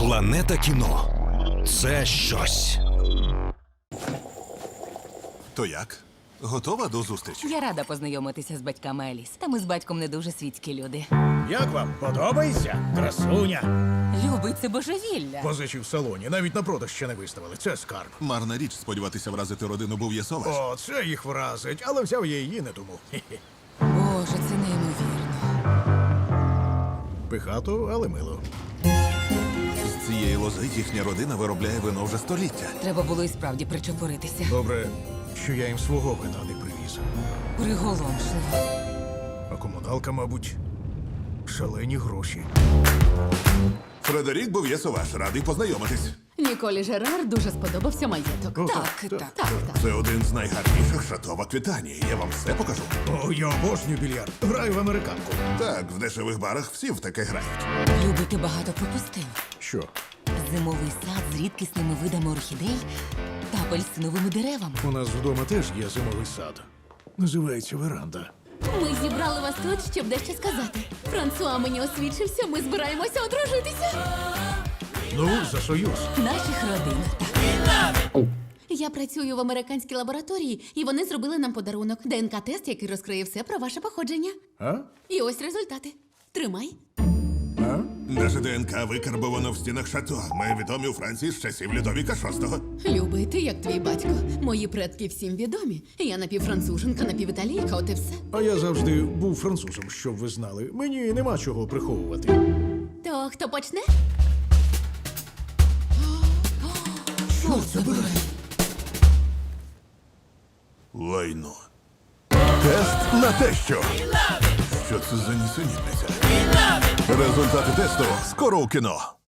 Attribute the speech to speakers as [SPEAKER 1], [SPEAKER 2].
[SPEAKER 1] Планета кіно це щось.
[SPEAKER 2] То як? Готова до зустрічі?
[SPEAKER 3] Я рада познайомитися з батьками Еліс. Та ми з батьком не дуже світські люди.
[SPEAKER 4] Як вам? Подобається? Красуня.
[SPEAKER 3] Любий, це божевілля.
[SPEAKER 4] Позичі в салоні, навіть на продаж ще не виставили. Це скарб.
[SPEAKER 2] Марна річ сподіватися вразити родину Бов'єсоваш.
[SPEAKER 4] О, це їх вразить, але взяв я її не тому. Хе-хе.
[SPEAKER 3] Боже, це неймовірно.
[SPEAKER 4] Пихато, але мило.
[SPEAKER 2] З цієї лози їхня родина виробляє вино вже століття.
[SPEAKER 3] Треба було і справді причепуритися.
[SPEAKER 4] Добре, що я їм свого вина не привіз.
[SPEAKER 3] Приголомшливо.
[SPEAKER 4] А комуналка, мабуть, шалені гроші.
[SPEAKER 2] Фредерік Бов'єсоваш, радий познайомитись.
[SPEAKER 5] Ніколі Жерар дуже сподобався маєток.
[SPEAKER 4] О,
[SPEAKER 3] Так.
[SPEAKER 2] Це один з найгарніших шато в Аквітанії. Я вам все покажу.
[SPEAKER 4] О, я обожнюю більярд. Граю в американку.
[SPEAKER 2] Так, в дешевих барах всі в таке грають.
[SPEAKER 3] Любий, ти багато пропустив.
[SPEAKER 4] Що?
[SPEAKER 3] Зимовий сад з рідкісними видами орхідей та апельсиновими деревами.
[SPEAKER 4] У нас вдома теж є зимовий сад. Називається веранда.
[SPEAKER 5] Ми зібрали вас тут, щоб дещо сказати. Франсуа мені освідчився, ми збираємося одружитися.
[SPEAKER 4] Ну, за союз.
[SPEAKER 3] Наших родин. Так.
[SPEAKER 5] Я працюю в американській лабораторії, і вони зробили нам подарунок. ДНК-тест, який розкриє все про ваше походження.
[SPEAKER 4] А?
[SPEAKER 5] І ось результати. Тримай.
[SPEAKER 4] А?
[SPEAKER 2] Наше ДНК викарбовано в стінах шато. Ми відомі у Франції з часів Людовіка VI.
[SPEAKER 5] Любий, ти як твій батько. Мої предки всім відомі. Я напівфранцуженка, напівіталійка, от і все.
[SPEAKER 4] А я завжди був французом, щоб ви знали. Мені нема чого приховувати.
[SPEAKER 5] То хто почне?
[SPEAKER 4] Чорт забирай.
[SPEAKER 2] Лайно. Тест на те, що. Що це за нісенітниця? Результати тесту скоро у кіно.